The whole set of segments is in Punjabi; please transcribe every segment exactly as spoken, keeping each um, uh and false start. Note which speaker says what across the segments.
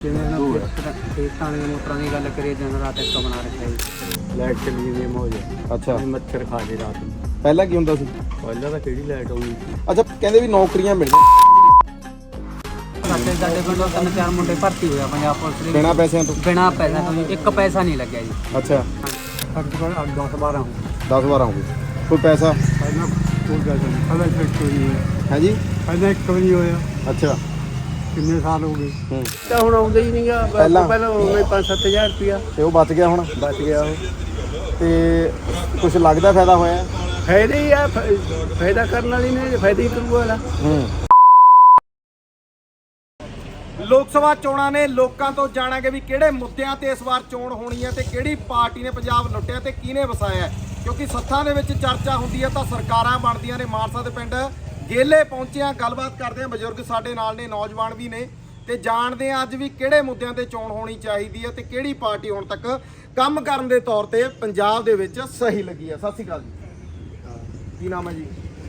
Speaker 1: खेतों की मोटर की गल करिए दिन रात एक बना रखा है लाइट चली गई मौज
Speaker 2: ਅੱਛਾ
Speaker 1: मच्छर खा ले रात में
Speaker 2: ਪਹਿਲਾਂ ਕੀ ਹੁੰਦਾ ਸੀ
Speaker 1: पहले तो कि लाइट आऊगी
Speaker 2: ਅੱਛਾ ਕਹਿੰਦੇ ਵੀ ਨੌਕਰੀਆਂ ਮਿਲੀਆਂ
Speaker 1: ਸਾਡੇ ਸਾਡੇ ਪਿੰਡੋਂ ਤਿੰਨ ਚਾਰ ਮੁੰਡੇ ਭਰਤੀ ਹੋਇਆ ਪੰਜਾਬ ਪੁਲਿਸ ਦੇ
Speaker 2: ਬਿਨਾਂ ਪੈਸਿਆਂ ਤੋਂ
Speaker 1: ਬਿਨਾਂ ਪੈਸਾ ਤੋਂ ਜੀ, ਇੱਕ ਪੈਸਾ ਨਹੀਂ ਲੱਗਿਆ ਜੀ
Speaker 2: ਅੱਛਾ
Speaker 1: ਸਾਡੇ ਕੋਲ ਦਸ ਬਾਰਾਂ
Speaker 2: ਦਸ ਬਾਰਾਂ ਹੋ ਗਏ ਕੋਈ ਪੈਸਾ
Speaker 1: ਪਹਿਲਾਂ ਕੋਈ ਗੱਲ ਨਹੀਂ ਪਹਿਲਾਂ ਇੱਕ ਨਹੀਂ ਹੋਇਆ
Speaker 2: ਹੈ ਜੀ
Speaker 1: ਪਹਿਲਾਂ ਇੱਕ ਵੀ ਨਹੀਂ ਹੋਇਆ
Speaker 2: ਅੱਛਾ
Speaker 1: ਕਿੰਨੇ ਸਾਲ ਹੋ ਗਏ
Speaker 2: ਹੂੰ
Speaker 1: ਤਾਂ ਹੁਣ ਆਉਂਦਾ ਹੀ ਨਹੀਂਗਾ
Speaker 2: ਪਹਿਲਾਂ
Speaker 1: ਪਹਿਲਾਂ ਉਹਨੇ ਪੰਜ ਸੱਤ ਹਜ਼ਾਰ ਰੁਪਇਆ
Speaker 2: ਤੇ ਉਹ ਬਚ ਗਿਆ ਹੁਣ
Speaker 1: ਬਚ ਗਿਆ ਉਹ
Speaker 2: ਤੇ ਕੁਝ ਲੱਗਦਾ ਫਾਇਦਾ ਹੋਇਆ
Speaker 1: ਫਾਇਦਾ ਹੀ ਆ ਫ- ਫਾਇਦਾ ਕਰਨ ਵਾਲੀ ਨੇ ਫਾਇਦਾ ਹੀ ਕਰੂਗਾ ਵਾਲਾ
Speaker 2: ਹੂੰ ਲੋਕ ਸਭਾ ਚੋਣਾਂ ਨੇ ਲੋਕਾਂ ਤੋਂ ਜਾਣਾਂਗੇ ਵੀ ਕਿਹੜੇ ਮੁੱਦਿਆਂ ਤੇ ਇਸ ਵਾਰ ਚੋਣ ਹੋਣੀ ਹੈ ਤੇ ਕਿਹੜੀ ਪਾਰਟੀ ਨੇ ਪੰਜਾਬ ਲੁੱਟਿਆ ਤੇ ਕਿਹਨੇ ਵਸਾਇਆ ਹੈ। ਕਿਉਂਕਿ ਸੱਥਾਂ ਦੇ ਵਿੱਚ ਚਰਚਾ ਹੁੰਦੀ ਹੈ ਤਾਂ ਸਰਕਾਰਾਂ ਬਣਦੀਆਂ ਨੇ। ਮਾਨਸਾ ਦੇ ਪਿੰਡ ਗੇਲੇ ਪਹੁੰਚੇ ਆ, ਗੱਲਬਾਤ ਕਰਦੇ ਆ, ਬਜ਼ੁਰਗ ਸਾਡੇ ਨਾਲ ਨੇ, ਨੌਜਵਾਨ ਵੀ ਨੇ ਤੇ ਜਾਣਦੇ ਆ ਅੱਜ ਵੀ ਕਿਹੜੇ ਮੁੱਦਿਆਂ ਤੇ ਚੋਣ ਹੋਣੀ ਚਾਹੀਦੀ ਹੈ ਤੇ ਕਿਹੜੀ ਪਾਰਟੀ ਹੁਣ ਤੱਕ ਕੰਮ ਕਰਨ ਦੇ ਤੌਰ ਤੇ ਪੰਜਾਬ ਦੇ ਵਿੱਚ ਸਹੀ ਲੱਗੀ ਹੈ। ਸਤਿ ਸ਼੍ਰੀ ਅਕਾਲ ਜੀ, ਕੀ ਨਾਮ ਹੈ ਜੀ?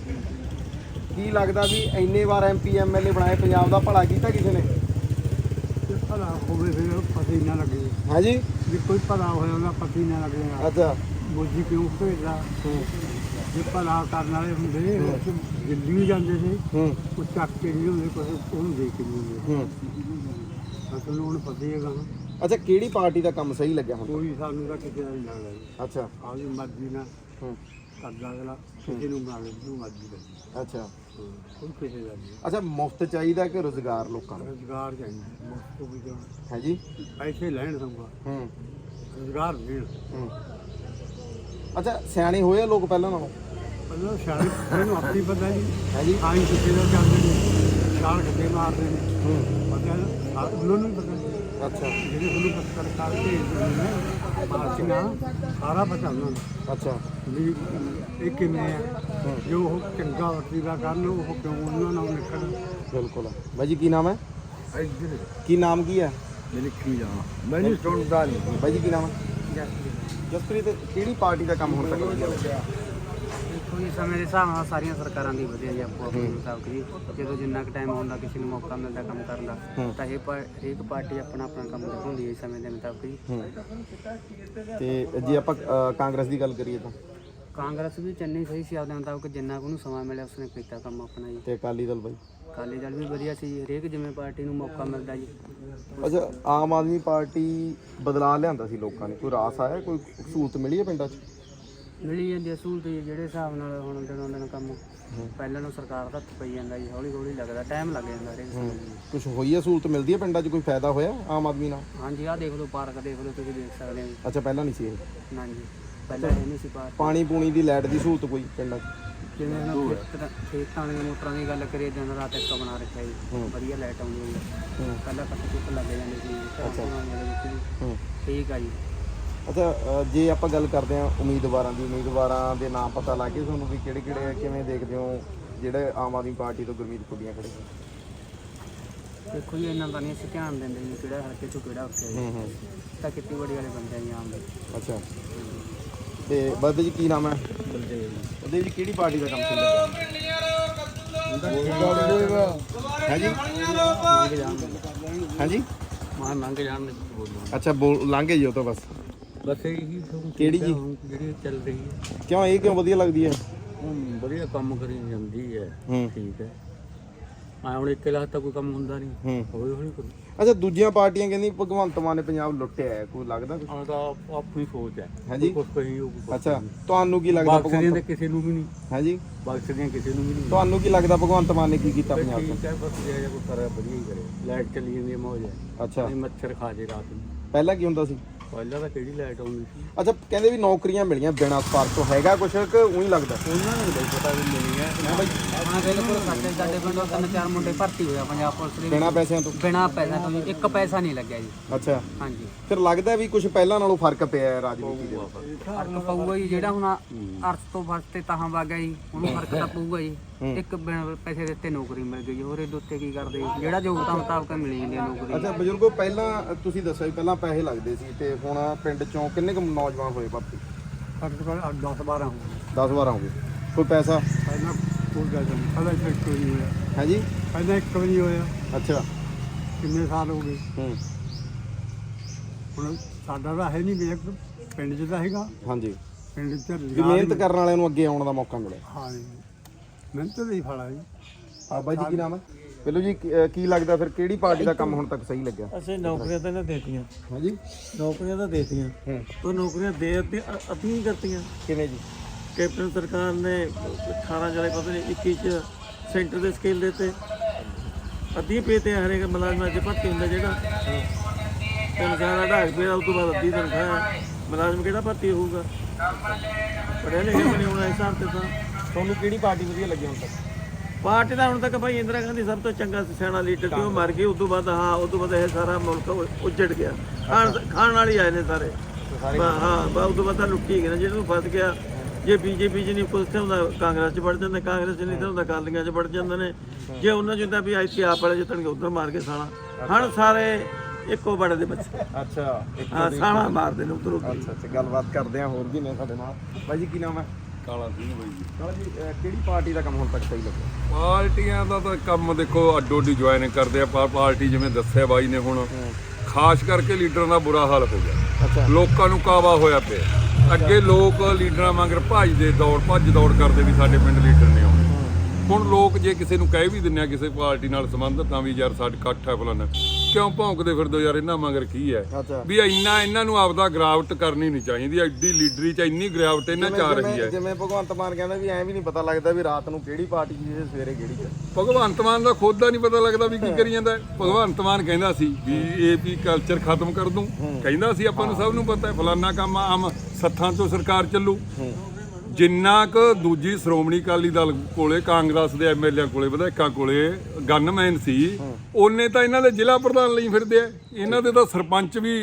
Speaker 2: ਕੀ ਲੱਗਦਾ ਵੀ ਇੰਨੇ ਵਾਰ ਐਮਪੀ ਐਮਐਲਏ ਬਣਾਏ, ਪੰਜਾਬ ਦਾ ਭਲਾ ਕੀਤਾ ਕਿਸੇ ਨੇ?
Speaker 1: ਭਲਾ ਹੋਵੇ ਫਿਰ ਪਤੀ ਨਾ ਲੱਗੇ
Speaker 2: ਹੈ ਜੀ
Speaker 1: ਵੀ ਕੋਈ ਭਲਾ ਹੋਇਆ ਉਹਦਾ ਪਤੀ ਨਾ ਲੱਗੇ
Speaker 2: ਅੱਛਾ
Speaker 1: ਮੋਦੀ ਕਿਉਂ ਭੇਜਦਾ
Speaker 2: ਹੂੰ
Speaker 1: ਜੇ ਭਲਾ ਕਰਨ ਵਾਲੇ ਹੁੰਦੇ ਉਹ ਦਿੱਲੀ ਵੀ ਜਾਂਦੇ ਸੀ
Speaker 2: ਹੂੰ
Speaker 1: ਉਹ ਚੱਕ ਕੇ ਨਹੀਂ ਹੁੰਦੇ ਕੁਛ ਉਹਨੂੰ ਦੇਖ ਕੇ ਨਹੀਂ ਹੁੰਦੇ
Speaker 2: ਹੂੰ
Speaker 1: ਅਸਲ ਨੂੰ ਹੁਣ ਪਤਾ ਹੀ ਹੈਗਾ
Speaker 2: ਅੱਛਾ ਕਿਹੜੀ ਪਾਰਟੀ ਦਾ ਕੰਮ ਸਹੀ ਲੱਗਿਆ ਹੁਣ?
Speaker 1: ਕੋਈ ਸਾਨੂੰ ਤਾਂ ਕਿਸੇ ਦਾ ਨਹੀਂ ਲੱਗਦਾ ਜੀ
Speaker 2: ਅੱਛਾ
Speaker 1: ਆਪਦੀ ਮਰਜ਼ੀ ਨਾਲ
Speaker 2: ਹੂੰ
Speaker 1: ਕਰਦਾ ਅਗਲਾ ਕਿਸੇ ਨੂੰ ਬਣਾ ਲੈ ਜਿਹਨੂੰ ਮਰਜ਼ੀ ਕਰੇ
Speaker 2: ਅੱਛਾ
Speaker 1: ਕੋਈ ਕਿਸੇ ਦਾ ਨਹੀਂ
Speaker 2: ਅੱਛਾ ਮੁਫਤ ਚਾਹੀਦਾ ਕਿ ਰੋਜ਼ਗਾਰ ਲੋਕਾਂ ਨੂੰ?
Speaker 1: ਰੁਜ਼ਗਾਰ ਚਾਹੀਦਾ ਮੁਫ਼ਤ ਤੋਂ ਵੀ ਜਾਣ
Speaker 2: ਹੈ ਜੀ
Speaker 1: ਪੈਸੇ ਲੈਣ ਸੰਗਾ
Speaker 2: ਹੂੰ
Speaker 1: ਰੁਜ਼ਗਾਰ ਦੇਣ
Speaker 2: ਹੂੰ ਅੱਛਾ ਸਿਆਣੇ ਹੋਏ ਆ ਲੋਕ ਪਹਿਲਾਂ ਨਾਲੋਂ?
Speaker 1: ਪਹਿਲਾਂ ਸ਼ਾਇਦ ਇਹਨੂੰ ਆਪੀ ਪਤਾ ਜੀ
Speaker 2: ਹੈ ਜੀ
Speaker 1: ਆਈ ਕਿਸੇ ਦਾ ਚੱਲਦੇ ਨੇ ਚਾਰ ਘੱਟੇ ਮਾਰਦੇ ਨੇ
Speaker 2: ਹੂੰ
Speaker 1: ਪਤਾ ਨਾ ਉਹਨਾਂ ਨੂੰ ਵੀ ਪਤਾ
Speaker 2: ਅੱਛਾ
Speaker 1: ਜਿਹੜੇ ਉਹਨੂੰ ਪੱਤਰ ਕਰਕੇ ਪਾਰਟੀਆਂ ਸਾਰਾ ਪਤਾ ਉਹਨਾਂ ਨੂੰ
Speaker 2: ਅੱਛਾ
Speaker 1: ਵੀ ਇਹ ਕਿਵੇਂ ਆ
Speaker 2: ਹੂੰ
Speaker 1: ਜੋ ਉਹ ਚੰਗਾ ਵਰਤੀਦਾ ਕਰਨ ਉਹ ਕਿਉਂ ਉਹਨਾਂ ਨਾਲ ਨਿਕਲਣ
Speaker 2: ਬਿਲਕੁਲ ਬਾਈ ਜੀ ਕੀ ਨਾਮ ਹੈ?
Speaker 1: ਇੱਧਰ
Speaker 2: ਕੀ ਨਾਮ ਕੀ ਹੈ?
Speaker 1: ਮੈਂ ਲਿਖੀ ਜਾਵਾਂ ਮੈਨੂੰ ਸੁਣਦਾ ਨਹੀਂ
Speaker 2: ਬਾਈ ਜੀ ਕੀ ਨਾਮ ਹੈ? ਜਸਪ੍ਰੀਤ ਕਿਹੜੀ ਪਾਰਟੀ ਦਾ ਕੰਮ ਹੁਣ ਤੱਕ ਵਧੀਆ ਲੱਗਿਆ?
Speaker 1: ਦੇਖੋ ਜੀ ਸਮੇਂ ਦੇ ਹਿਸਾਬ ਨਾਲ ਸਾਰੀਆਂ ਸਰਕਾਰਾਂ ਦੀ ਵਧੀਆ ਜੀ ਆਪੋ ਆਪਣੇ ਮੁਤਾਬਕ ਜੀ ਜਦੋਂ ਜਿੰਨਾ ਕੁ ਟਾਈਮ ਹੁੰਦਾ ਕਿਸੇ ਨੂੰ ਮੌਕਾ ਮਿਲਦਾ ਕੰਮ ਕਰਨ ਦਾ
Speaker 2: ਹੂੰ
Speaker 1: ਤਾਂ ਇਹ ਪਾ- ਹਰੇਕ ਪਾਰਟੀ ਆਪਣਾ ਆਪਣਾ ਕੰਮ ਦਿਖਾਉਂਦੀ ਹੈ ਸਮੇਂ ਦੇ ਮੁਤਾਬਕ ਜੀ
Speaker 2: ਹੂੰ ਤੇ ਜੇ ਆਪਾਂ ਅ, ਕਾਂਗਰਸ ਦੀ ਗੱਲ ਕਰੀਏ ਤਾਂ
Speaker 1: ਕਾਂਗਰਸ ਵੀ ਚੰਨੀ ਸਹੀ ਸੀ ਆਪਦੇ ਮੁਤਾਬਕ ਜਿੰਨਾ ਕੁ ਉਹਨੂੰ ਸਮਾਂ ਮਿਲਿਆ ਉਸਨੇ ਕੀਤਾ ਕੰਮ ਆਪਣਾ ਜੀ
Speaker 2: ਤੇ ਅਕਾਲੀ ਦਲ ਬਾਈ?
Speaker 1: ਅਕਾਲੀ ਦਲ ਵੀ ਵਧੀਆ ਸੀ ਜੀ, ਹਰੇਕ ਜਿਵੇਂ ਪਾਰਟੀ ਨੂੰ ਮੌਕਾ ਮਿਲਦਾ ਜੀ
Speaker 2: ਅੱਛਾ ਆਮ ਆਦਮੀ ਪਾਰਟੀ ਬਦਲਾ ਲਿਆਂਦਾ ਸੀ ਲੋਕਾਂ ਨੇ, ਕੋਈ ਰਾਸ ਆਇਆ, ਕੋਈ ਸਹੂਲਤ ਮਿਲੀ ਹੈ ਪਿੰਡਾਂ 'ਚ?
Speaker 1: ਮਿਲੀ ਜਾਂਦੀ ਹੈ ਸਹੂਲਤ ਜੀ ਜਿਹੜੇ ਹਿਸਾਬ ਨਾਲ ਹੁਣ ਦਿਨੋਂ ਦਿਨ ਕੰਮ ਪਹਿਲਾਂ ਨੂੰ ਸਰਕਾਰ ਦਾ ਹੱਥ ਪਈ ਜਾਂਦਾ ਜੀ ਹੌਲੀ ਹੌਲੀ ਲੱਗਦਾ ਟਾਈਮ ਲੱਗ ਜਾਂਦਾ ਹਰੇਕ ਚੀਜ਼ ਨੂੰ।
Speaker 2: ਕੁਝ ਹੋਈ ਹੈ ਸਹੂਲਤ ਮਿਲਦੀ ਹੈ ਪਿੰਡਾਂ 'ਚ, ਕੋਈ ਫਾਇਦਾ ਹੋਇਆ ਆਮ ਆਦਮੀ ਨਾਲ?
Speaker 1: ਹਾਂਜੀ ਆਹ ਦੇਖ ਲਓ ਪਾਰਕ ਦੇਖ ਲਓ ਤੁਸੀਂ ਦੇਖ ਸਕਦੇ ਹੋ ਜੀ।
Speaker 2: ਅੱਛਾ ਪਹਿਲਾਂ ਨਹੀਂ ਸੀ ਇਹ?
Speaker 1: ਨਾ ਜੀ ਪਹਿਲਾਂ ਇਹ ਨਹੀਂ ਸੀ ਪਾਰਕ
Speaker 2: ਪਾਣੀ ਪੂਣੀ ਦੀ ਲਾਈਟ ਦੀ ਸਹੂਲਤ ਕੋਈ ਪਿੰਡਾਂ 'ਚ?
Speaker 1: ਜਿਵੇਂ ਹੁਣ ਖੇਤਾਂ ਖੇਤਾਂ ਦੀਆਂ ਮੋਟਰਾਂ ਦੀ ਗੱਲ ਕਰੀਏ ਦਿਨ ਰਾਤ ਇੱਕ ਬਣਾ ਰੱਖਿਆ ਜੀ
Speaker 2: ਹੂੰ।
Speaker 1: ਵਧੀਆ ਲਾਈਟ ਆਉਂਦੀ ਹੈ ਜੀ।
Speaker 2: ਹੂੰ
Speaker 1: ਪਹਿਲਾਂ ਕੱਟ ਕੁੱਟ ਲੱਗ ਜਾਂਦੇ ਸੀ
Speaker 2: ਅੱਛਾ।
Speaker 1: ਘਰਾਂ ਦੇ ਵਿੱਚ ਵੀ
Speaker 2: ਹੂੰ
Speaker 1: ਠੀਕ ਆ ਜੀ
Speaker 2: ਅੱਛਾ ਅ, ਜੇ ਆਪਾਂ ਗੱਲ ਕਰਦੇ ਹਾਂ ਉਮੀਦਵਾਰਾਂ ਦੀ, ਉਮੀਦਵਾਰਾਂ ਦੇ ਨਾਮ ਪਤਾ ਲੱਗ ਗਏ ਤੁਹਾਨੂੰ ਵੀ ਕਿਹੜੇ ਕਿਹੜੇ ਆ, ਕਿਵੇਂ ਦੇਖਦੇ ਹੋ ਜਿਹੜੇ ਆਮ ਆਦਮੀ ਪਾਰਟੀ ਤੋਂ ਗੁਰਮੀਤ ਕੁੜੀਆਂ ਖੜੇ ਨੇ?
Speaker 1: ਦੇਖੋ ਜੀ ਇਹਨਾਂ ਦਾ ਨਹੀਂ ਅਸੀਂ ਧਿਆਨ ਦਿੰਦੇ ਜੀ ਕਿਹੜਾ ਹਲਕੇ ਚੋਂ ਕਿਹੜਾ ਉੱਠਿਆ ਜੀ
Speaker 2: ਹੂੰ ਹੂੰ
Speaker 1: ਤਾਂ ਖੇਤੀਬਾੜੀ ਵਾਲੇ ਬੰਦੇ ਆ ਜੀ ਆਮ ਦੇ
Speaker 2: ਅੱਛਾ ਤੇ ਬਾਬੇ ਜੀ ਕੀ ਨਾਮ ਹੈ? ਉਹਦੇ ਜੀ ਕਿਹੜੀ ਪਾਰਟੀ ਦਾ ਕੰਮ ਚੱਲ ਰਿਹਾ ਹੈ ਜੀ? ਹਾਂਜੀ
Speaker 1: ਮਾਂ ਲੰਘ ਜਾਣ ਦੇ ਬੋਲੋ
Speaker 2: ਅੱਛਾ ਬੋਲ ਲਾਂਘੇ ਜੀ ਉਹ ਤਾਂ ਬਸ।
Speaker 1: ਬਸ ਇਹੀ
Speaker 2: ਕਿਹੜੀ ਜੀ?
Speaker 1: ਜਿਹੜੀ ਚੱਲ ਰਹੀ ਹੈ
Speaker 2: ਕਿਉਂ ਇਹ ਕਿਉਂ ਵਧੀਆ ਲੱਗਦੀ ਹੈ?
Speaker 1: ਹੁਣ ਵਧੀਆ ਕੰਮ ਕਰੀ ਜਾਂਦੀ ਹੈ
Speaker 2: ਹੂੰ
Speaker 1: ਠੀਕ ਹੈ ਆ ਹੁਣ ਇੱਕ ਲੱਖ ਤਾਂ ਕੋਈ ਕੰਮ ਹੁੰਦਾ ਨਹੀਂ
Speaker 2: ਹੂੰ
Speaker 1: ਹੌਲੀ ਹੌਲੀ ਕਰੂ
Speaker 2: ਅੱਛਾ ਦੂਜੀਆਂ ਪਾਰਟੀਆਂ ਕਹਿੰਦੀ ਭਗਵੰਤ ਮਾਨ ਨੇ ਪੰਜਾਬ ਲੁੱਟਿਆ ਹੈ, ਕੋਈ ਲੱਗਦਾ ਕੁਛ?
Speaker 1: ਆ ਤਾਂ ਆਪਣੀ ਸੋਚ ਹੈ
Speaker 2: ਹਾਂਜੀ
Speaker 1: ਕੁਝ ਕਹੀ ਉਹ
Speaker 2: ਅੱਛਾ ਤੁਹਾਨੂੰ ਕੀ ਲੱਗਦਾ
Speaker 1: ਬਖਸ਼ਦੀਆਂ
Speaker 2: ਭਗਵੰਤ?
Speaker 1: ਤੇ ਕਿਸੇ ਨੂੰ ਵੀ ਨਹੀਂ
Speaker 2: ਹਾਂਜੀ
Speaker 1: ਬਖਸ਼ਦੀਆਂ ਕਿਸੇ ਨੂੰ ਵੀ ਨਹੀਂ
Speaker 2: ਤੁਹਾਨੂੰ ਕੀ ਲੱਗਦਾ ਭਗਵੰਤ ਮਾਨ ਨੇ ਕੀ ਕੀਤਾ ਪੰਜਾਬ 'ਚ?
Speaker 1: ਠੀਕ ਹੈ ਬਸ ਜੇ ਕੋਈ ਕਰੇ ਵਧੀਆ ਹੀ ਕਰੇ ਲਾਈਟ ਚਲੀ ਜਾਂਦੀ ਹੈ ਮੌਜ ਹੈ
Speaker 2: ਅੱਛਾ
Speaker 1: ਨਹੀਂ ਮੱਛਰ ਖਾ ਜੇ ਰਾਤ ਨੂੰ
Speaker 2: ਪਹਿਲਾਂ ਕੀ ਹੁੰਦਾ ਸੀ?
Speaker 1: ਪਹਿਲਾਂ ਤਾਂ ਕਿਹੜੀ ਲਾਈਟ ਆਉਂਦੀ ਸੀ
Speaker 2: ਅੱਛਾ ਕਹਿੰਦੇ ਵੀ ਨੌਕਰੀਆਂ ਮਿਲੀਆਂ ਬਿਨਾਂ ਸਪਾਰਕ ਤੋਂ, ਹੈਗਾ ਕੁਛ ਕਿ ਉਹੀ ਲੱਗਦਾ?
Speaker 1: ਉਹਨਾਂ ਨੂੰ ਨਹੀਂ ਪਤਾ ਵੀ ਮਿਲੀ ਹੈ
Speaker 2: ਹਾਂ ਬਾਈ
Speaker 1: ਹਾਂ ਬਿਲਕੁਲ ਸਾਡੇ ਸਾਡੇ ਪਿੰਡੋਂ ਤਿੰਨ ਚਾਰ ਮੁੰਡੇ ਭਰਤੀ ਹੋਇਆ ਪੰਜਾਬ ਪੁਲਿਸ ਦੇ
Speaker 2: ਬਿਨਾਂ ਪੈਸਿਆਂ ਤੋਂ?
Speaker 1: ਬਿਨਾਂ ਪੈਸਾ ਤੋਂ ਜੀ, ਇੱਕ ਪੈਸਾ ਨਹੀਂ ਲੱਗਿਆ ਜੀ
Speaker 2: ਅੱਛਾ
Speaker 1: ਹਾਂਜੀ
Speaker 2: ਫਿਰ ਲੱਗਦਾ ਵੀ ਕੁਝ ਪਹਿਲਾਂ ਨਾਲੋਂ ਫਰਕ ਪਿਆ ਹੈ ਰਾਜਨੀਤੀ ਦੇ ਵਿੱਚ?
Speaker 1: ਫਰਕ ਪਊਗਾ ਜੀ ਜਿਹੜਾ ਹੁਣ ਅਰਥ ਤੋਂ ਫਰਕ ਤੇ ਤਾਹਾਂ ਵਗ ਗਿਆ ਜੀ ਉਹਨੂੰ ਫਰਕ ਤਾਂ ਪਊਗਾ ਜੀ ਇੱਕ ਬਿਨਾਂ ਪੈਸੇ ਦਿੱਤੇ ਨੌਕਰੀ ਮਿਲ ਗਈ ਜੀ ਹੋਰ ਇਹਦੇ ਉੱਤੇ ਕੀ ਕਰਦੇ ਜੀ? ਜਿਹੜਾ ਯੋਗਤਾ ਮੁਤਾਬਕ ਮਿਲੀ ਜਾਂਦੀ ਹੈ ਨੌਕਰੀ
Speaker 2: ਅੱਛਾ ਬਜ਼ੁਰਗੋ ਪਹਿਲਾਂ ਤੁਸੀਂ ਦੱਸਿਆ ਵੀ ਪਹਿਲਾਂ ਪੈਸੇ ਲੱਗਦੇ ਸੀ ਤੇ ਹੁਣ ਪਿੰਡ ਚੋਂ ਕਿੰਨੇ ਕੁ ਨੌਜਵਾਨ ਹੋਏ ਭਰਤੀ?
Speaker 1: ਸਾਡੇ ਕੋਲ ਦਸ ਬਾਰਾਂ
Speaker 2: ਦਸ ਬਾਰਾਂ ਹੋ ਗਏ, ਕੋਈ ਪੈਸਾ?
Speaker 1: ਪਹਿਲਾਂ ਕੋਈ ਗੱਲ ਨਹੀਂ ਪਹਿਲਾਂ ਇੱਕ ਵੀ ਨਹੀਂ ਹੋਇਆ
Speaker 2: ਹੈ ਜੀ
Speaker 1: ਪਹਿਲਾਂ ਇੱਕ ਵੀ ਨਹੀਂ ਹੋਇਆ
Speaker 2: ਅੱਛਾ
Speaker 1: ਕਿੰਨੇ ਸਾਲ ਹੋ ਗਏ
Speaker 2: ਹੂੰ
Speaker 3: ਹੁਣ ਸਾਡਾ ਤਾਂ ਹੈ ਨਹੀਂ ਵੀ ਇੱਕ ਪਿੰਡ 'ਚ ਤਾਂ ਹੈਗਾ,
Speaker 2: ਹਾਂਜੀ,
Speaker 3: ਪਿੰਡ 'ਚ
Speaker 2: ਵੀ ਮਿਹਨਤ ਕਰਨ ਵਾਲਿਆਂ ਨੂੰ ਅੱਗੇ ਆਉਣ ਦਾ ਮੌਕਾ ਮਿਲੇ।
Speaker 3: ਹਾਂ ਜੀ, ਮਿਹਨਤ ਦਾ ਹੀ ਫਲ ਆ ਜੀ।
Speaker 2: ਆ ਬਾਈ ਜੀ ਕੀ ਨਾਮ ਹੈ? ਬਿੱਲੂ ਜੀ ਕੀ- ਅਹ ਕੀ ਲੱਗਦਾ ਫਿਰ ਕਿਹੜੀ ਪਾਰਟੀ ਦਾ ਕੰਮ ਹੁਣ ਤੱਕ ਸਹੀ ਲੱਗਿਆ?
Speaker 4: ਅਸੀਂ ਨੌਕਰੀਆਂ ਤਾਂ ਇਹਨਾਂ ਦੇਤੀਆਂ,
Speaker 2: ਹਾਂਜੀ,
Speaker 4: ਨੌਕਰੀਆਂ ਤਾਂ ਦੇਤੀਆਂ,
Speaker 2: ਹੂੰ,
Speaker 4: ਉਹ ਨੌਕਰੀਆਂ ਦੇ ਅੱਧੀ ਅੱਧੀਆਂ ਕਰਤੀਆਂ।
Speaker 2: ਕਿਵੇਂ ਜੀ?
Speaker 4: ਕੈਪਟਨ ਸਰਕਾਰ ਨੇ ਅਠਾਰਾਂ ਜੁਲਾਈ ਪਤਾ ਨਹੀਂ ਇੱਕੀ ਚ ਸੈਂਟਰ ਦੇ ਸਕੇਲ ਦੇ ਤੇ ਅੱਧੀਆਂ ਪੇ ਤੇ ਹਰੇਕ ਮੁਲਾਜ਼ਮਾਂ ਚ ਭਰਤੀ ਹੁੰਦਾ ਜਿਹੜਾ ਤਨਖਾਹ ਦਾ ਢਾਕ ਪਿਆ, ਉਸ ਤੋਂ ਬਾਅਦ ਅੱਧੀ ਤਨਖਾਹ ਹੈ। ਮੁਲਾਜ਼ਮ ਕਿਹੜਾ ਭਰਤੀ ਹੋਊਗਾ? ਪੜ੍ਹਿਆ ਲਿਖਿਆ ਬਣੇ ਹੋਣਾ ਇਸ ਹਿਸਾਬ ਤੇ ਤਾਂ।
Speaker 2: ਤੁਹਾਨੂੰ ਕਿਹੜੀ ਪਾਰਟੀ ਵਧੀਆ ਲੱਗੀ ਹੁਣ ਤੱਕ?
Speaker 4: ਪਾਰਟੀ ਦਾ ਹੁਣ ਤੱਕ ਭਾਈ ਇੰਦਰਾ ਗਾਂਧੀ ਸਭ ਤੋਂ ਚੰਗਾ ਸਿਆਣਾ ਲੀਡਰ ਸੀ, ਉਹ ਮਰ ਗਈ। ਉਸ ਤੋਂ ਬਾਅਦ ਹਾਂ ਉਸ ਤੋਂ ਬਾਅਦ ਇਹ ਸਾਰਾ ਮੁਲਕ ਉ- ਉੱਜੜ ਗਿਆ। ਖਾਣ ਖਾਣ ਵਾਲੇ ਆਏ ਨੇ ਸਾਰੇ, ਬਾ- ਹਾਂ ਬਾ ਉਸ ਤੋਂ ਬਾਅਦ ਤਾਂ ਲੁੱਟੀ ਗਏ ਨੇ। ਜਿਹਨੂੰ ਫਸ ਗਿਆ, ਜੇ ਬੀਜੇਪੀ 'ਚ ਨਹੀਂ ਕੁਛ ਤੇ ਹੁੰਦਾ ਕਾਂਗਰਸ 'ਚ ਵੜ ਜਾਂਦੇ, ਕਾਂਗਰਸ 'ਚ ਨਹੀਂ ਤਾਂ ਹੁੰਦਾ ਅਕਾਲੀਆਂ 'ਚ ਵੜ ਜਾਂਦੇ ਨੇ। ਜੇ ਉਹਨਾਂ 'ਚ ਹੁੰਦਾ ਵੀ ਇੱਥੇ ਆਪ ਵਾਲੇ ਜਿੱਤਣਗੇ ਉੱਧਰ ਮਾਰ ਕੇ ਸਾਲਾ। ਹਣ ਸਾਰੇ ਇੱਕੋ ਬੜੇ ਦੇ ਬੱਚੇ,
Speaker 2: ਅੱਛਾ,
Speaker 4: ਹਾਂ ਸਾਲਾ ਮਾਰਦੇ ਨੇ ਉੱਧਰ ਉੱਧਰ।
Speaker 2: ਅੱਛਾ ਅੱਛਾ, ਗੱਲਬਾਤ ਕਰਦੇ ਆ, ਹੋਰ ਵੀ ਨੇ ਸਾਡੇ ਨਾਲ। ਬਾਈ ਜੀ ਕੀ ਨਾਮ ਹੈ?
Speaker 5: ਕਾਲਾ ਸਿੰਘ ਬਾਈ ਜੀ।
Speaker 2: ਕਾਲਾ ਜੀ, ਅਹ ਕਿਹੜੀ ਪਾਰਟੀ ਦਾ ਕੰਮ ਹੁਣ ਤੱਕ ਸਹੀ ਲੱਗਿਆ?
Speaker 5: ਪਾਰਟੀਆਂ ਦਾ ਤਾਂ ਕੰਮ ਦੇਖੋ ਅੱਡੋ ਅੱਡੀ ਜੁਆਇਨ ਕਰਦੇ ਆ, ਪਰ ਪਾਰਟੀ ਜਿਵੇਂ ਦੱਸਿਆ ਬਾਈ ਨੇ ਹੁਣ ਖਾਸ ਕਰਕੇ ਲੀਡਰਾਂ ਦਾ ਬੁਰਾ ਹਾਲ ਹੋ ਗਿਆ।
Speaker 2: ਅੱਛਾ,
Speaker 5: ਲੋਕਾਂ ਨੂੰ ਕਾਵਾ ਹੋਇਆ ਪਿਆ। ਅੱਗੇ ਲੋਕ ਲੀਡਰਾਂ ਵਾਂਗਰ ਭੱਜਦੇ ਦੌੜ ਭੱਜ ਦੌੜ ਕਰਦੇ ਵੀ ਸਾਡੇ ਪਿੰਡ ਲੀਡਰ ਨੇ ਆਉਣੇ। ਹੁਣ ਲੋਕ ਜੇ ਕਿਸੇ ਨੂੰ ਕਹਿ ਵੀ ਦਿੰਦੇ ਆ ਕਿਸੇ ਪਾਰਟੀ ਨਾਲ ਸੰਬੰਧਤ ਤਾਂ ਵੀ ਯਾਰ ਸਾਡੇ ਇਕੱਠ ਹੈ ਫਲਾਣਾ, ਕਿਉਂ ਭੌਂਕਦੇ ਫਿਰਦੇ ਹੋ ਯਾਰ ਇਹਨਾਂ ਮਗਰ ਕੀ ਹੈ?
Speaker 2: ਅੱਛਾ,
Speaker 5: ਵੀ ਇੰਨਾ ਇਹਨਾਂ ਨੂੰ ਆਪਦਾ ਗਰਾਵਟ ਕਰਨੀ ਨਹੀਂ ਚਾਹੀਦੀ। ਐਡੀ ਲੀਡਰੀ ਚ ਇੰਨੀ ਗਰਾਵਟ ਇਹਨਾਂ ਚ ਆ ਰਹੀ ਹੈ।
Speaker 2: ਜਿਵੇਂ ਭਗਵੰਤ ਮਾਨ ਕਹਿੰਦਾ ਵੀ ਐਂ ਵੀ ਨਹੀਂ ਪਤਾ ਲੱਗਦਾ ਵੀ ਰਾਤ ਨੂੰ ਕਿਹੜੀ ਪਾਰਟੀ ਦੀ ਤੇ ਸਵੇਰੇ ਕਿਹੜੀ ਚ।
Speaker 5: ਭਗਵੰਤ ਮਾਨ ਦਾ ਖੁਦ ਦਾ ਨਹੀਂ ਪਤਾ ਲੱਗਦਾ ਵੀ ਕੀ ਕਰੀ ਜਾਂਦਾ ਹੈ। ਭਗਵੰਤ ਮਾਨ ਕਹਿੰਦਾ ਸੀ ਵੀ ਏਪੀ ਕਲਚਰ ਖਤਮ ਕਰ ਦੂੰ, ਕਹਿੰਦਾ ਸੀ ਆਪਾਂ ਨੂੰ ਸਭ ਨੂੰ ਪਤਾ ਹੈ ਫਲਾਨਾ ਕੰਮ ਆਮ ਸੱਥਾਂ ਤੋਂ ਸਰਕਾਰ ਚੱਲੂ। ਜਿੰਨਾ ਕੁ ਦੂਜੀ ਸ਼੍ਰੋਮਣੀ ਅਕਾਲੀ ਦਲ ਕੋਲੇ ਕਾਂਗਰਸ ਦੇ ਐਮਐਲਏ ਕੋਲੇ ਵਿਧਾਇਕਾਂ ਕੋਲੇ ਗਨਮੈਨ ਸੀ, ਉਹਨੇ ਤਾਂ ਇਹਨਾਂ ਦੇ ਜ਼ਿਲ੍ਹਾ ਪ੍ਰਧਾਨ ਲਈ ਫਿਰਦੇ ਆ। ਇਹਨਾਂ ਦੇ ਤਾਂ ਸਰਪੰਚ ਵੀ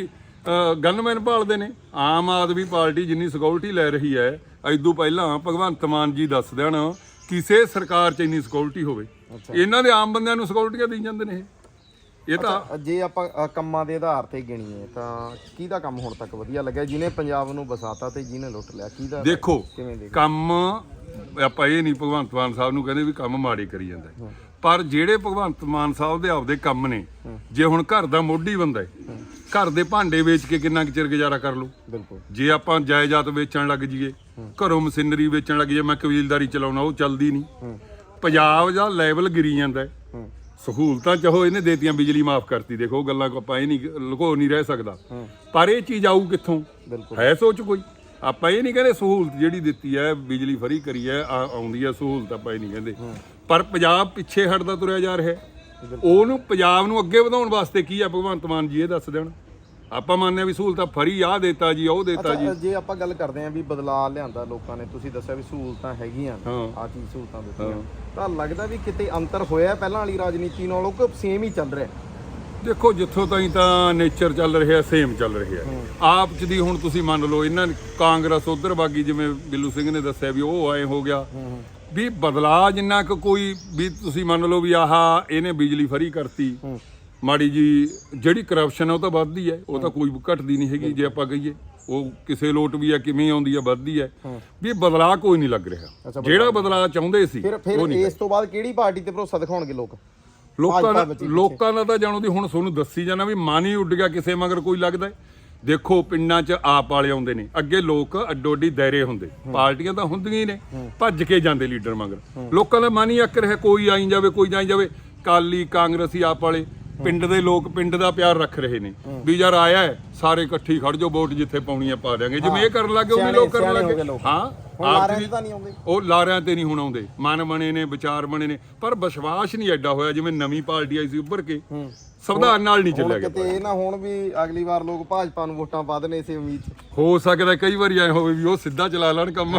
Speaker 5: ਗਨਮੈਨ ਭਾਲਦੇ ਨੇ। ਆਮ ਆਦਮੀ ਪਾਰਟੀ ਜਿੰਨੀ ਸਿਕਿਉਰਿਟੀ ਲੈ ਰਹੀ ਹੈ, ਐਦੋਂ ਪਹਿਲਾਂ ਭਗਵੰਤ ਮਾਨ ਜੀ ਦੱਸ ਦੇਣ ਕਿਸੇ ਸਰਕਾਰ 'ਚ ਇੰਨੀ ਸਿਕਿਉਰਿਟੀ ਹੋਵੇ। ਇਹਨਾਂ ਦੇ ਆਮ ਬੰਦਿਆਂ ਨੂੰ ਸਿਕਿਉਰਿਟੀਆਂ ਦੇਈ ਜਾਂਦੇ ਨੇ ਇਹ। ਇਹ ਤਾਂ
Speaker 2: ਜੇ ਆਪਾਂ ਅ, ਕੰਮਾਂ ਦੇ ਆਧਾਰ ਤੇ ਗਿਣੀਏ ਤਾਂ ਕਿਹਦਾ ਕੰਮ ਹੁਣ ਤੱਕ ਵਧੀਆ ਲੱਗਿਆ, ਜਿਹਨੇ ਪੰਜਾਬ ਨੂੰ ਵਸਾਤਾ ਤੇ ਜਿਹਨੇ ਲੁੱਟ ਲਿਆ? ਕਿਹਦਾ
Speaker 5: ਦੇਖੋ
Speaker 2: ਕਿਵੇਂ ਦੇ
Speaker 5: ਕੰਮ ਆਪਾਂ ਇਹ ਨਹੀਂ ਭਗਵੰਤ ਮਾਨ ਸਾਹਿਬ ਨੂੰ ਕਹਿੰਦੇ ਵੀ ਕੰਮ ਮਾੜੇ ਕਰੀ ਜਾਂਦਾ ਹੈ। ਪਰ ਜਿਹੜੇ ਭਗਵੰਤ ਮਾਨ ਸਾਹਿਬ ਦੇ ਆਪਦੇ ਕੰਮ ਨੇ, ਜੇ ਹੁਣ ਘਰ ਦਾ ਮੋਢੀ ਬੰਦਾ ਹੈ, ਘਰ ਦੇ ਭਾਂਡੇ ਵੇਚ ਕੇ ਕਿੰਨਾ ਕੁ ਚਿਰ ਗੁਜ਼ਾਰਾ ਕਰ ਲੂ?
Speaker 2: ਬਿਲਕੁਲ।
Speaker 5: ਜੇ ਆਪਾਂ ਜਾਇਦਾਦ ਵੇਚਣ ਲੱਗ ਜਾਈਏ, ਘਰੋਂ ਮਸ਼ੀਨਰੀ ਵੇਚਣ ਲੱਗ ਜਾਈਏ, ਮੈਂ ਕਬੀਲਦਾਰੀ ਚਲਾਉਣਾ, ਉਹ ਚੱਲਦੀ ਨਹੀਂ। ਪੰਜਾਬ ਦਾ ਲੈਵਲ ਗਿਰੀ ਜਾਂਦਾ ਹੈ। ਸਹੂਲਤਾਂ ਚਾਹੋ ਇਹਨੇ ਦੇਤੀਆਂ, ਬਿਜਲੀ ਮਾਫ ਕਰਤੀ, ਦੇਖੋ ਗੱਲਾਂ ਕੋ ਆਪਾਂ ਇਹ ਨਹੀਂ ਲੁਕੋ ਨਹੀਂ ਰਹਿ ਸਕਦਾ। ਪਰ ਇਹ ਚੀਜ਼ ਆਊ ਕਿੱਥੋਂ? ਹੈ ਸੋਚ ਕੋਈ? ਆਪਾਂ ਇਹ ਨਹੀਂ ਕਹਿੰਦੇ ਸਹੂਲਤ ਜਿਹੜੀ ਦਿੱਤੀ ਹੈ, ਬਿਜਲੀ ਫਰੀ ਕਰੀ ਹੈ, ਆ- ਆਉਂਦੀ ਹੈ ਸਹੂਲਤ, ਆਪਾਂ ਇਹ ਨਹੀਂ ਕਹਿੰਦੇ। ਪਰ ਪੰਜਾਬ ਪਿੱਛੇ ਹਟਦਾ ਤੁਰਿਆ ਜਾ ਰਿਹਾ ਹੈ। ਉਹਨੂੰ ਪੰਜਾਬ ਨੂੰ ਅੱਗੇ ਵਧਾਉਣ ਵਾਸਤੇ ਕੀ ਹੈ ਭਗਵੰਤ ਮਾਨ ਜੀ ਇਹ ਦੱਸ ਦੇਣ। ਆਪਾਂ ਮੰਨਦੇ ਆ ਵੀ ਸਹੂਲਤਾਂ ਫਰੀ ਆ ਦੇਤਾ ਜੀ, ਉਹ ਦੇਤਾ ਜੀ।
Speaker 2: ਜੇ ਆਪਾਂ ਗੱਲ ਕਰਦੇ ਆਂ ਵੀ ਬਦਲਾਅ ਲਿਆਂਦਾ ਲੋਕਾਂ ਨੇ, ਤੁਸੀਂ ਦੱਸਿਆ ਵੀ ਸਹੂਲਤਾਂ ਹੈਗੀਆਂ,
Speaker 5: ਹਾਂ।
Speaker 2: ਆ ਚੀਜ਼ ਸਹੂਲਤਾਂ ਦਿੱਤੀਆਂ, ਤਾਂ ਲੱਗਦਾ ਵੀ ਕਿਤੇ ਅੰਤਰ ਹੋਇਆ ਪਹਿਲਾਂ ਵਾਲੀ ਰਾਜਨੀਤੀ ਨਾਲੋਂ ਕਿ ਸੇਮ ਹੀ ਚੱਲ ਰਿਹਾ?
Speaker 5: ਦੇਖੋ ਜਿੱਥੋਂ ਤਾਈਂ ਤਾਂ ਨੇਚਰ ਚੱਲ ਰਿਹਾ ਸੇਮ ਚੱਲ ਰਿਹਾ। ਆਪ ਚ ਦੀ ਹੁਣ ਤੁਸੀਂ ਮੰਨ ਲਓ ਇਹਨਾਂ ਨੇ ਕਾਂਗਰਸ ਉਧਰ ਬਾਗੀ, ਜਿਵੇਂ ਬਿੱਲੂ ਸਿੰਘ ਨੇ ਦੱਸਿਆ ਵੀ ਉਹ ਐ ਹੋ ਗਿਆ ਵੀ ਬਦਲਾਅ ਜਿੰਨਾ ਕੁ ਕੋਈ ਵੀ ਤੁਸੀਂ ਮੰਨ ਲਓ ਵੀ ਆਹ ਇਹਨੇ ਬਿਜਲੀ ਫਰੀ ਕਰਤੀ, ਮਾੜੀ ਜੀ ਜਿਹੜੀ ਕਰਪਸ਼ਨ ਹੈ ਉਹ ਤਾਂ ਵੱਧਦੀ ਹੈ, ਉਹ ਤਾਂ ਕੋਈ ਘਟਦੀ ਨਹੀਂ ਹੈਗੀ। ਜੇ ਆਪਾਂ ਕਹੀਏ ਉਹ ਕਿਸੇ ਲੋਟ ਵੀ ਆ ਕਿਵੇਂ ਆਉਂਦੀ ਆ, ਵੱਧਦੀ ਹੈ। ਵੀ ਬਦਲਾਅ ਕੋਈ ਨਹੀਂ ਲੱਗ ਰਿਹਾ ਜਿਹੜਾ ਬਦਲਾਅ ਚਾਹੁੰਦੇ ਸੀ।
Speaker 2: ਫਿਰ ਫਿਰ ਇਸ ਤੋਂ ਬਾਅਦ ਕਿਹੜੀ ਪਾਰਟੀ ਤੇ ਭਰੋਸਾ ਦਿਖਾਉਣਗੇ ਲੋਕ?
Speaker 5: ਲੋਕਾਂ ਦਾ ਲੋਕਾਂ ਦਾ ਤਾਂ ਜਾਣੋ ਦੀ ਹੁਣ ਤੁਹਾਨੂੰ ਦੱਸੀ ਜਾਣਾ ਵੀ ਮਨ ਹੀ ਉੱਡ ਗਿਆ ਕਿਸੇ ਮਗਰ ਕੋਈ ਲੱਗਦਾ। ਦੇਖੋ ਪਿੰਡਾਂ 'ਚ ਆਪ ਵਾਲੇ ਆਉਂਦੇ ਨੇ, ਅੱਗੇ ਲੋਕ ਅੱਡੋ ਅੱਡੀ ਦਾਇਰੇ ਹੁੰਦੇ, ਪਾਰਟੀਆਂ ਤਾਂ ਹੁੰਦੀਆਂ ਹੀ ਨੇ, ਭੱਜ ਕੇ ਜਾਂਦੇ ਲੀਡਰ ਮਗਰ। ਲੋਕਾਂ ਦਾ ਮਨ ਹੀ ਅੱਕ ਰਿਹਾ, ਕੋਈ ਆਈ ਜਾਵੇ ਕੋਈ ਜਾਈ ਜਾਵੇ। ਕਾਲੀ ਕਾਂਗਰਸੀ ਆਪ ਵਾਲੇ ਪਿੰਡ ਦੇ ਲੋਕ ਪਿੰਡ ਦਾ ਪਿਆਰ ਰੱਖ ਰਹੇ ਨੇ ਵੀ ਯਾਰ ਆਇਆ ਹੈ ਸਾਰੇ ਇਕੱਠੀ ਖੜ ਜਾਓ, ਵੋਟ ਜਿੱਥੇ ਪਾਉਣੀ ਆ ਪਾ ਦਿਆਂਗੇ। ਜਿਵੇਂ ਇਹ ਕਰਨ ਲੱਗੇ ਉਹ ਵੀ ਲੋਕ ਕਰਨ ਲੱਗੇ। ਹਾਂ ਆਪ ਉਹ ਲਾਰਿਆਂ ਤੇ ਨਹੀਂ ਹੁਣ ਆਉਂਦੇ, ਮਨ ਬਣੇ ਨੇ, ਵਿਚਾਰ ਬਣੇ ਨੇ, ਪਰ ਵਿਸ਼ਵਾਸ ਨਹੀਂ ਐਡਾ ਹੋਇਆ ਜਿਵੇਂ ਨਵੀਂ ਪਾਰਟੀ ਆਈ ਸੀ ਉੱਭਰ ਕੇ। ਸੰਵਿਧਾਨ ਨਾਲ ਨਹੀਂ ਚੱਲਿਆ ਗਿਆ।
Speaker 2: ਕਿਤੇ ਇਹ ਨਾ ਹੁਣ ਵੀ ਅਗਲੀ ਵਾਰ ਲੋਕ ਭਾਜਪਾ ਨੂੰ ਵੋਟਾਂ ਪਾ ਦੇਣ ਇਸੇ ਉਮੀਦ 'ਚ।
Speaker 5: ਹੋ ਸਕਦਾ ਕਈ ਵਾਰੀ ਐ ਹੋਵੇ ਵੀ ਉਹ ਸਿੱਧਾ ਚਲਾ ਲੈਣ ਕੰਮ।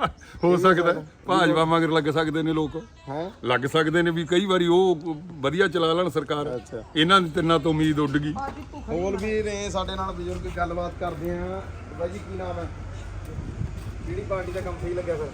Speaker 5: ਹੋ ਸਕਦਾ ਭਾਜਪਾ ਮਗਰ ਲੱਗ ਸਕਦੇ ਨੇ ਲੋਕ,
Speaker 2: ਹੈ
Speaker 5: ਲੱਗ ਸਕਦੇ ਨੇ ਵੀ ਕਈ ਵਾਰੀ ਉਹ ਵਧੀਆ ਚਲਾ ਲੈਣ ਸਰਕਾਰ। ਇਹਨਾਂ ਦੀ ਤਿੰਨਾਂ ਤੋਂ ਉਮੀਦ ਉੱਡ ਗਈ।
Speaker 2: ਹੋਰ ਵੀ ਨੇ ਸਾਡੇ ਨਾਲ ਬਜ਼ੁਰਗ, ਗੱਲਬਾਤ ਕਰਦੇ ਆ। ਬਾਈ ਜੀ ਕੀ ਨਾਮ ਹੈ? ਕਿਹੜੀ ਪਾਰਟੀ ਦਾ ਕੰਮ ਸਹੀ ਲੱਗਿਆ ਫਿਰ?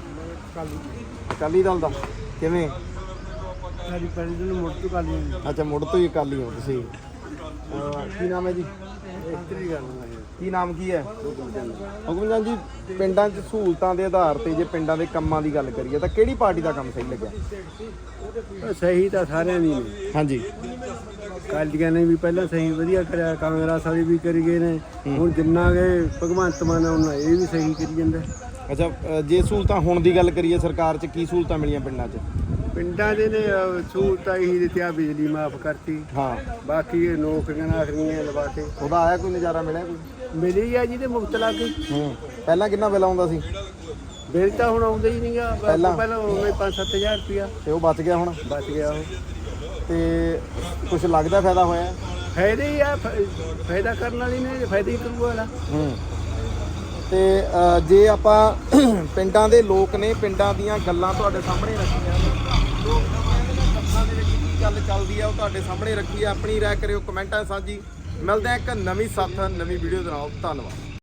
Speaker 2: ਅਕਾਲੀ ਦਲ ਦਾ। ਕਿਵੇਂ?
Speaker 3: ਸਾਡੀ ਪਿੰਡ ਨੂੰ ਮੁੜ ਤੋਂ ਕਾਲੀ
Speaker 2: ਅੱਛਾ, ਮੁੜ ਤੋਂ ਹੀ ਅਕਾਲੀ ਹੋ ਤੁਸੀਂ। ਅਹ ਕੀ ਨਾਮ ਹੈ ਜੀ?
Speaker 3: ਇਸਤਰੀ ਗੱਲ
Speaker 2: ਕੀ ਨਾਮ ਕੀ ਹੈ? ਹੁਕਮਚੰਦ ਜੀ, ਪਿੰਡਾਂ 'ਚ ਸਹੂਲਤਾਂ ਦੇ ਆਧਾਰ ਤੇ ਜੇ ਪਿੰਡਾਂ ਦੇ ਕੰਮਾਂ ਦੀ ਗੱਲ ਕਰੀਏ ਤਾਂ ਕਿਹੜੀ ਪਾਰਟੀ ਦਾ ਕੰਮ ਸਹੀ ਲੱਗਿਆ?
Speaker 3: ਸਹੀ ਤਾਂ ਸਾਰਿਆਂ ਦੀ ਨੇ।
Speaker 2: ਹਾਂਜੀ।
Speaker 3: ਕਾਲੀਆਂ ਨੇ ਵੀ ਪਹਿਲਾਂ ਸਹੀ ਵਧੀਆ ਕਰਿਆ, ਕਾਂਗਰਸ ਵਾਲੇ ਵੀ ਕਰੀ ਗਏ ਨੇ, ਹੁਣ ਜਿੰਨਾ ਗਏ ਭਗਵੰਤ ਮਾਨ ਉਹਨਾਂ ਇਹ ਵੀ ਸਹੀ ਕਰੀ ਜਾਂਦਾ।
Speaker 2: ਅੱਛਾ ਅ, ਜੇ ਸਹੂਲਤਾਂ ਹੁਣ ਦੀ ਗੱਲ ਕਰੀਏ ਸਰਕਾਰ 'ਚ ਕੀ ਸਹੂਲਤਾਂ ਮਿਲੀਆਂ ਪਿੰਡਾਂ 'ਚ?
Speaker 3: ਪਿੰਡਾਂ ਦੇ ਨੇ ਅਹ, ਸਹੂਲਤਾਂ ਹੀ ਦਿੱਤੀਆਂ, ਬਿਜਲੀ ਮਾਫ ਕਰਤੀ,
Speaker 2: ਹਾਂ
Speaker 3: ਬਾਕੀ ਇਹ ਨੌਕਰੀਆਂ ਨਾਕਰੀਆਂ ਲਵਾਤੇ,
Speaker 2: ਉਹਦਾ ਆਇਆ ਕੋਈ ਨਜ਼ਾਰਾ ਮਿਲਿਆ ਕੋਈ?
Speaker 3: ਮਿਲੀ ਆ ਜਿਹਦੇ ਮੁਫਤ ਲਾ ਕੇ।
Speaker 2: ਹੂੰ ਪਹਿਲਾਂ ਕਿੰਨਾ ਬਿੱਲ ਆਉਂਦਾ ਸੀ
Speaker 3: ਬਿੱਲ ਤਾਂ ਹੁਣ ਆਉਂਦਾ ਹੀ ਨਹੀਂਗਾ,
Speaker 2: ਪਹਿਲਾਂ?
Speaker 3: ਪਹਿਲਾਂ ਹੋਵੇ ਪੰਜ ਸੱਤ ਹਜ਼ਾਰ ਰੁਪਇਆ,
Speaker 2: ਤੇ ਉਹ ਬਚ ਗਿਆ ਹੁਣ?
Speaker 3: ਬਚ ਗਿਆ ਉਹ।
Speaker 2: ਤੇ ਕੁਝ ਲੱਗਦਾ ਫਾਇਦਾ ਹੋਇਆ?
Speaker 3: ਫਾਇਦੇ ਹੀ ਆ, ਫ- ਫਾਇਦਾ ਕਰਨ ਵਾਲੀ ਨੇ ਫਾਇਦਾ ਹੀ ਕਰੂਗਾ ਵਾਲਾ।
Speaker 2: ਹੂੰ ਤੇ ਅ, ਜੇ ਆਪਾਂ ਪਿੰਡਾਂ ਦੇ ਲੋਕ ਨੇ, ਪਿੰਡਾਂ ਦੀਆਂ ਗੱਲਾਂ ਤੁਹਾਡੇ ਸਾਹਮਣੇ ਰੱਖੀਆਂ ਨੇ, ਲੋਕ ਸਭਾ ਦੇ ਵਿੱਚ ਕੀ ਗੱਲ ਚੱਲਦੀ ਆ ਉਹ ਤੁਹਾਡੇ ਸਾਹਮਣੇ ਰੱਖੀ ਆ। ਆਪਣੀ ਰਾਏ ਕਰਿਓ ਕਮੈਂਟਾਂ 'ਚ ਸਾਂਝੀ। ਮਿਲਦੇ ਆ ਇੱਕ ਨਵੀਂ ਸਾਥ ਨਵੀਂ ਵੀਡੀਓ ਦੇ ਨਾਲ। ਧੰਨਵਾਦ।